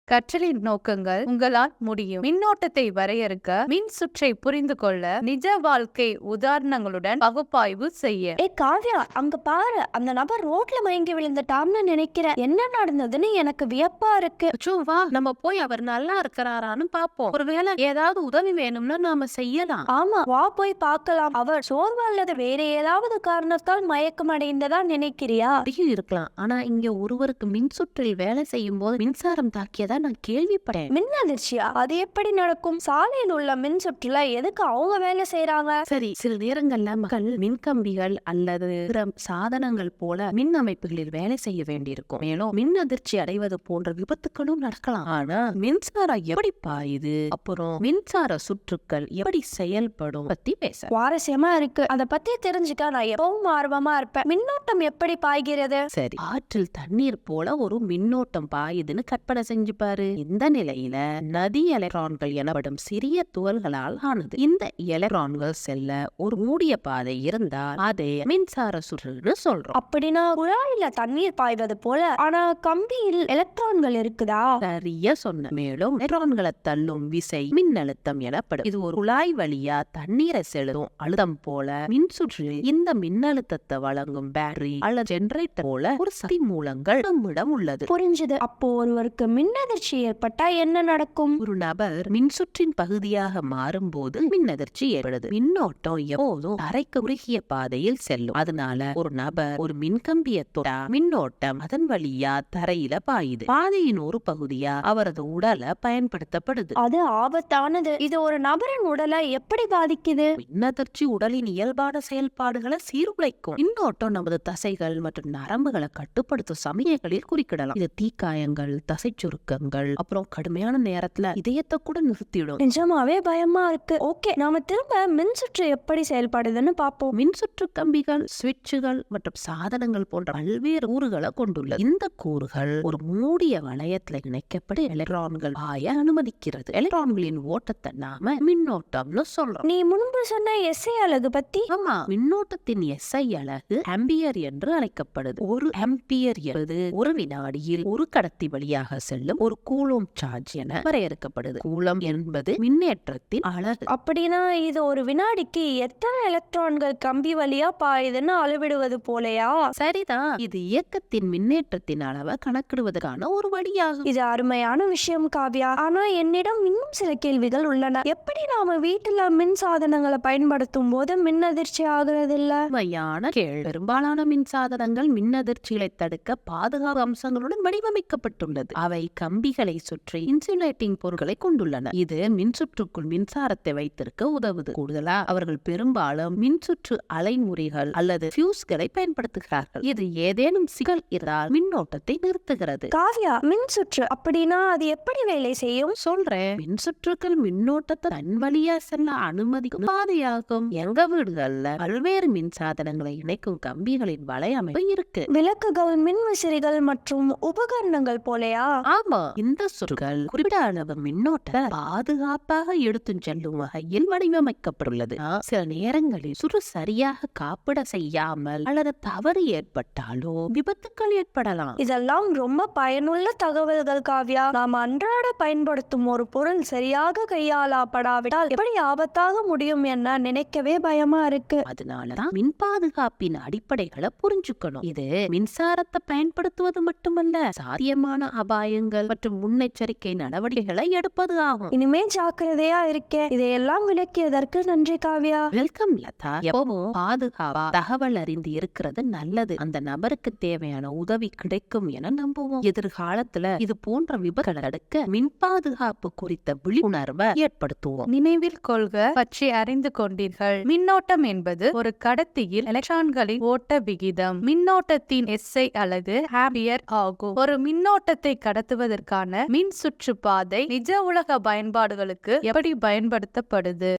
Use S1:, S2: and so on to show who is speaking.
S1: கற்றலின் நோக்கங்கள் உங்களால் முடியும். மின்னோட்டத்தை வரையறுக்க, மின் சுற்றை புரிந்து கொள்ள, நிஜ வாழ்க்கை உதாரணங்களுடன் பகுப்பாய்வு செய்ய.
S2: காவ்யா, அங்க பாரு, அந்த நபர் ரோட்ல மயங்கி விழுந்துட்டான்னு நினைக்கிறேன். என்ன நடந்ததுன்னு எனக்கு வியப்பா இருக்கு.
S3: வா, நம்ம போய் அவர் நல்லா இருக்கிறாரான்னு பாப்போம். ஒருவேளை ஏதாவது உதவி வேணும்னா நாம செய்யலாம்.
S2: ஆமா, வா போய் பார்க்கலாம். அவர் சோர்வு அல்லது வேற ஏதாவது காரணத்தால் மயக்கம் அடைந்ததா நினைக்கிறியா?
S3: அப்படியும் இருக்கலாம். ஆனா இங்க ஒருவருக்கு மின் சுற்றில் வேலை செய்யும் போது மின்சாரம் தாக்கியதா நான் கேள்விப்பட்டேன்.
S2: மின் அதிர்ச்சியா? அது எப்படி நடக்கும்? சாலையில் உள்ள மின் சுற்றுல எதுக்கு அவங்க வேலை செய்யறாங்க?
S3: சரி, சில நேரங்கள்ல மக்கள் மின்கம்பிகள் அல்லது பிற சாதனங்கள் போல மின் அமைப்புகளில் வேலை செய்ய வேண்டியிருக்கும். மேலும் மின் அதிர்ச்சி அடைவது போன்ற விபத்துக்களும் நடக்கலாம். ஆனா மின்சாரம் எப்படி பாயுது, அப்புறம் மின்சார சுற்றுக்கள் எப்படி செயல்படும் பத்தி பேச
S2: சுவாரஸ்யமா இருக்கு. அத பத்தி தெரிஞ்சுக்க நான் எப்பவும் ஆர்வமா இருப்பேன். மின்னோட்டம் எப்படி பாய்கிறது?
S3: சரி, ஆற்றில் தண்ணீர் போல ஒரு மின்னோட்டம் பாயுதுன்னு கற்பனை செஞ்சு பாரு. இந்த நிலையில நதி எலக்ட்ரான்கள் எனப்படும் சிறிய துகள்களால் ஆனது. இந்த எலக்ட்ரான்கள் செல்ல ஒரு மூடிய பாதை இருந்தால் அதை மின்சார சுற்றுன்னு சொல்றோம்.
S2: அப்படின்னா குழாயில தண்ணீர் பாய்வது போல. ஆனா கம்பியில் எலக்ட்ரான்கள் இருக்குதா?
S3: சரியா சொன்ன. மேலும் எலக்ட்ரான்களை தள்ளும் விசை மின்னழுத்தம் எனப்படும். இது ஒரு குழாய் வழியா தண்ணீரை செலுத்தும் அழுத்தம் போல மின் சுற்றில் இந்த மின்னழுத்தத்தை வழங்கும் பேட்டரி அல்லது ஜெனரேட்டர் போல ஒரு சக்தி மூலங்கள் நம்மிடம் உள்ளது.
S2: புரிஞ்சது. அப்போ ஒருவருக்கு மின் அதிர்ச்சி ஏற்பட்டா என்ன நடக்கும்?
S3: ஒரு நபர் மின்சுற்றின் பகுதியாக மாறும்போது மின் அதிர்ச்சி ஏற்படுது. மின்னோட்டம் எப்போதும் தரைக்கு குறுகிய பாதையில் செல்லும். அதனால ஒரு நபர் ஒரு மின்கம்பியை தொட்டா மின்னோட்டம் அதன் வழியா தரையில பாயுது. பாதையின் ஒரு பகுதியா அவரது உடலை பயன்படுத்தப்படுது.
S2: அது ஆபத்தானது. இது ஒரு நபரின் உடலை எப்படி பாதிக்குது?
S3: மின்னதிர்ச்சி உடலின் இயல்பான செயல்பாடுகளை சீர்குலைக்கும். மின்னோட்டம் நமது தசைகள் மற்றும் நரம்புகளை கட்டுப்படுத்தும் சமயங்களில் குறுக்கிடலாம். இது தீக்காயங்கள், தசை சுருக்கங்கள், அப்புறம் கடுமையான நேரத்துல இதயத்தை கூட நிறுத்திடும்.
S2: நிஜமாவே பயமா இருக்கு. ஓகே, நாம திரும்ப மின் சுற்று எப்படி செயல்படுதுன்னு பாப்போம்.
S3: மின் சுற்று கம்பிகள், சுவிட்சுகள் மற்றும் சாதனங்கள் போன்ற பல்வேறு கூறுகளை கொண்டுள்ளது. இந்த கூறுகள் ஒரு மூடிய வளையத்துல இணைக்கப்பட்டு எலக்ட்ரான்கள் பாய அனுமதிக்கிறது. எலக்ட்ரான்களின் ஓட்டத்தை நாம மின்னோட்டம்னு சொல்றோம்.
S2: நீ முன்பு சொன்ன எஸ்ஐ அலகு பத்தி?
S3: ஆமா, மின்னோட்டத்தின் எஸ்ஐ அலகு ஆம்பியர் என்று அழைக்கப்படுது. ஒரு ஆம்பியர் என்பது ஒரு வினாடியில் ஒரு கடத்தி வழியாக செல்லும் ஒரு கூலோம் சார்ஜ் என வரையறுக்கப்படுது. கூலம் என்பது மின்னேற்றத்தின் அலகு.
S2: அப்படின்னா இது ஒரு வினாடிக்கு எத்தனை எலக்ட்ரான்கள் கம்பி வழியா பாயுதுன்னு அளவிடுவது போலையா?
S3: சரிதான், இது இயக்கத்தின் மின்னேற்றத்தின் அளவை கணக்கிடுவதற்கான ஒரு வழியாகும்.
S2: இது அருமையான விஷயம் காவ்யா. ஆனா என்னிடம் இன்னும் சில கேள்விகள் உள்ளன. எப்படி நாம வீட்டுல மின் சாதனங்களை பயன்படுத்தும் போது மின் அதிர்ச்சி ஆகுறது இல்ல?
S3: உண்மையான கேள்வி. பெரும்பாலான மின் சாதனங்கள் மின் அதிர்ச்சிகளை தடுக்க பாதுகாப்பு அம்சங்களுடன் வடிவமைக்கப்பட்டுள்ளது. அவை கம்பிகளை சுற்றி இன்சுலேட்டிங் பொருட்களை கொண்டுள்ளன. இது மின்சுற்றுக்குள் மின்சாரத்தை வைத்திருக்க உதவுது. கூடுதலா அவர்கள் பெரும்பாலும் மின்சுற்று அலைமுறிகள் அல்லது ஃபியூஸ்களை பயன்படுத்துகிறார்கள். இது ஏதேனும் சிக்கல் இருந்தால் மின்னோட்டத்தை நிறுத்துகிறது.
S2: காவ்யா, மின் சுற்று அப்படின்னா அது எப்படி வேலை செய்யும்?
S3: சொல்றேன். மின்சுற்றுக்கள் மின்னோட்டத்தை தன் வழியா செல்ல அனுமதிக்கும் பாதையாகும். எங்க வீடுகள்ல பல்வேறு மின் சாதனங்களை இணைக்கும் கம்பிகளின் வலையமைப்பு இருக்கு.
S2: விளக்குகள், மின் விசிறிகள் மற்றும் உபகரணங்கள் போலையா?
S3: ஆமா, இந்த சுற்றுகள் குறிப்பிட்ட அளவு மின்னோட்டத்தை பாதுகாப்பாக எடுத்து செல்லும் வகையில் வடிவமைக்கப்பட்டுள்ளது. சில நேரங்களில் சுற்று சரியாக காப்பிட செய்யாமல் அல்லது தவறு ஏற்பட்டாலோ விபத்துக்கள் ஏற்படலாம்.
S2: இதெல்லாம் ரொம்ப பயனுள்ள தகவல்கள் காவ்யா. நாம் அன்றாட பயன்படுத்தும் ஒரு பொருள் சரியாக கையாளப்படாவிட்டால் எப்படி ஆபத்தாக முடியும் என நினைக்கவே பயமா இருக்கு.
S3: அதனாலதான் மின் பாதுகாப்பின் அடிப்படைகளை புரிஞ்சுக்கணும். இது மின்சாரத்தை பயன்படுத்துவது மட்டுமல்ல, சாத்தியமான அபாயங்கள் மற்றும் முன்னெச்சரிக்கை நடவடிக்கைகளை எடுப்பது ஆகும்.
S2: இனிமே ஜாக்கிரதையா இருக்கேன். இதையெல்லாம் விளக்கியதற்கு நன்றி காவ்யா.
S3: வெல்கம் லதா. எப்பவும் பாதுகாப்பா தகவல் அறிந்து இருக்கிறது நல்லது. அந்த நபருக்கு தேவையான உதவி கிடைக்கும் என நம்புவோம். எதிர்காலத்துல இது போன்ற விபத்துகளை தடுக்க மின் பாதுகாப்பு குறித்த விழிப்புணர்வை ஏற்படுத்துவோம்.
S1: நினைவில் கொள்க பற்றி அறிந்து கொண்டீர்கள். மின்னோட்டம் என்பது ஒரு கடத்தியில் எலக்ட்ரான்களின் ஓட்ட விகிதம். மின்னோட்டத்தின் எஸ்ஐ அலகு ஆம்பியர் ஆகும். ஒரு மின்னோட்டத்தை கடத்துவதற்கான மின் சுற்று பாதை நிஜ உலக பயன்பாடுகளுக்கு எப்படி பயன்படுத்தப்படுது?